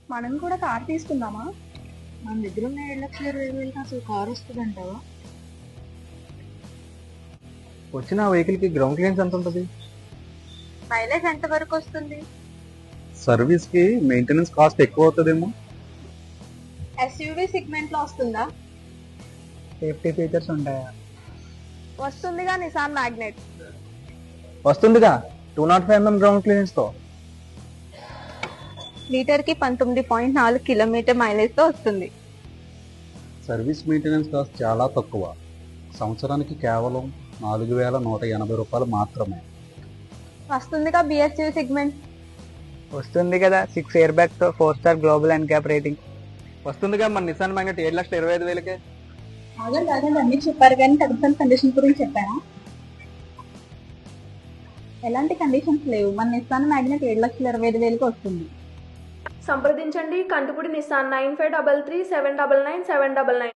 మనం కూడా కార్ తీసుకుందామా? మన దగ్గర ఉన్న 7,20,000 అసలు కారు వస్తుందంటావా? వచ్చిన వెహికల్ కి గ్రౌండ్ క్లియరెన్స్ ఎంత ఉంటుంది? మైలేజ్ ఎంత వరకు వస్తుంది? సర్వీస్ కి మెయింటెనెన్స్ కాస్ట్ ఎక్కువ అవుతుందేమో. ఎస్యూవి సెగ్మెంట్ లో వస్తుందా? సేఫ్టీ ఫీచర్స్ ఉంటాయా? వస్తుందిగా నిసాన్ మ్యాగ్నెట్. వస్తుందిగా 205 mm గ్రౌండ్ క్లియరెన్స్ తో. లీటర్ కి 19.4 కిలోమీటర్ మైలేజ్ తో వస్తుంది. సర్వీస్ మెయింటెనెన్స్ కాస్ట్ చాలా తక్కువ. సంవత్సరానికి కేవలం 4,180 రూపాయలు మాత్రమే. వస్తుందిగా బిఎస్యూవి సెగ్మెంట్. వస్తుంది కదా 6 ఇయర్ బ్యాక్ తో four star global NCAP rating. వస్తుందిగా మన నిసాన్ మ్యాగ్నెట్ 7,25,000కే. ఆగండి అన్ని చెప్పారు కానీ టర్మ్స్ అండ్ కండిషన్ గురించి చెప్పారా? ఎలాంటి కండిషన్స్ లేవు. మన నిసాన్ మ్యాగ్నెట్ 7,25,000కి వస్తుంది. సంప్రదించండి కంటుపుడి నిసాన్ 9533 799 799.